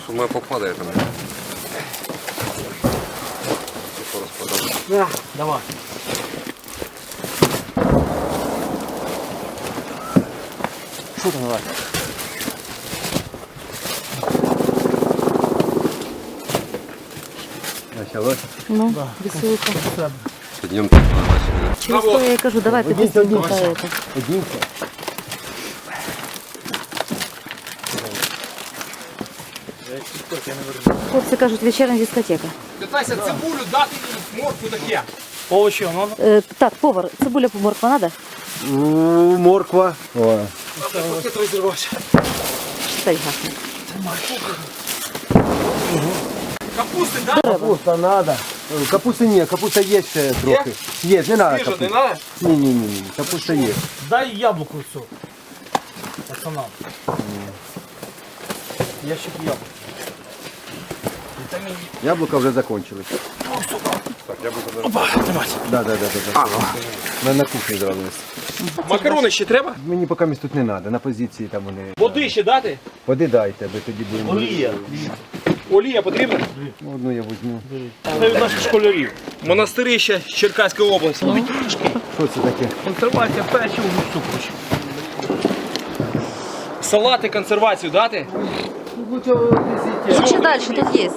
Думаю, попадає там. Да, давай. Що там давай? Началось. Ну, веселка. Підйом тут начали. Через то я и кажу, давай ты быстренько это. Хлопці кажуть, вечірня дискотека. Питайся цибулю, дати їй моркву таке. Овочі, воно? Так, повар, цибуля морква надо? Морква. О. Пакет розірвався. Стай гасне. Капусти, да? Капуста надо. Капусти ні, капуста є ще трохи. Є, не надо Свіжа, не капуста. надо? Ні, капуста є. Дай яблуко цю. Пацанам. Ящик яблук. Яблука вже закончились. Так, яблука Опа, тримайся. Да. На кухні зробились. Макарони ще треба? Мені поки місць тут не треба, на позиції там вони. Води ще дати? Води дайте, аби тоді будемо. Олія. Олія потрібна? Одну я візьму. Це від наших школярів. Монастирище Черкаської області. Що це таке? Консервація печива, гусу, коротше. Салати, консервацію дати? Ще далі, тут є.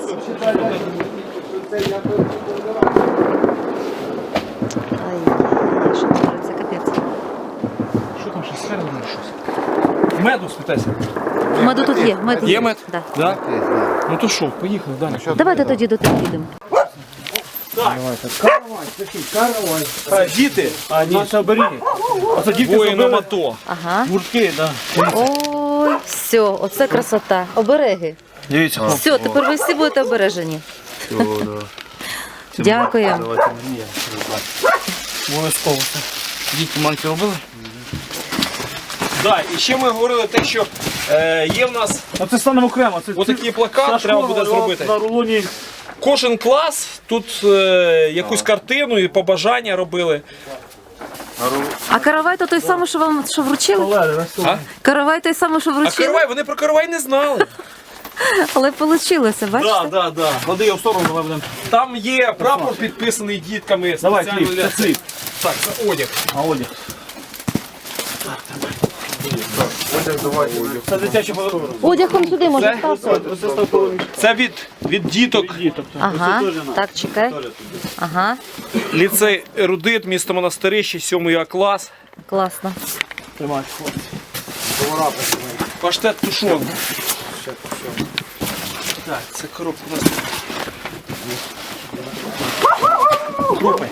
Ай, що твориться, капець. Що там ще сфера буде щось? Меду спитайся. Меду тут є, мед Є мед? Да. Да? Ну то що, поїхали далі. Давайте тоді до тих підемо. Діти, А, ні, це оберіги. А це діти воїнам забили АТО. Ага. гуртки, да. Ой, все, оце красота. Обереги. Дивіться, хлопці. Все, тепер ви всі будете обережені. Дякую. Обов'язково це. Дітки маленькі робили? Да, і ще ми говорили те, що є в нас А це станемо окремо. Це отакий плакат, треба буде зробити. На рулоні. Кожен клас тут якусь картину і побажання робили. А каравай то той самий, що вам що вручили? Олег, на А? Каравай той самий, що А вручили? каравай, вони про каравай не знали. Але вийшло, бачите? Да. Клади його в сторону, давай будемо. Там є прапор підписаний дітками. Давай, спеціально хліб, для це хліб. Так, це одяг. А одяг. Це дитячий подарунок. Одяг он сюди може ставити. Це від діток. Ага, так, чекай. Ага, Ліцей Ерудит, місто Монастирище, 7 А клас. класно. Тримай, хлопці. Паштет тушон. Так, це коробка у нас. Крупи.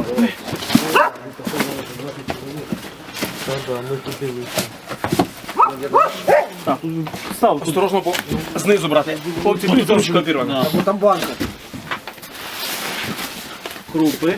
Так, тут став. Тут Осторожно, бо знизу брати. хлопці, Тут тут ручка обірвана. Або там банка. Крупи.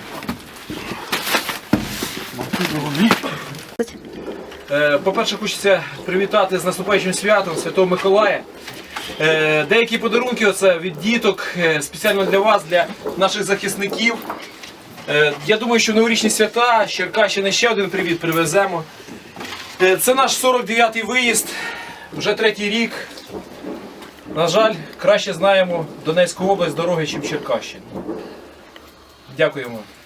По-перше, хочеться привітати з наступаючим святом Святого Миколая. Деякі подарунки оце від діток, спеціально для вас, для наших захисників. Я думаю, що в новорічні свята з Черкащини ще один привіт привеземо. Це наш 49-й виїзд, вже 3-й рік. На жаль, краще знаємо Донецьку область дороги, ніж Черкащину. Дякуємо.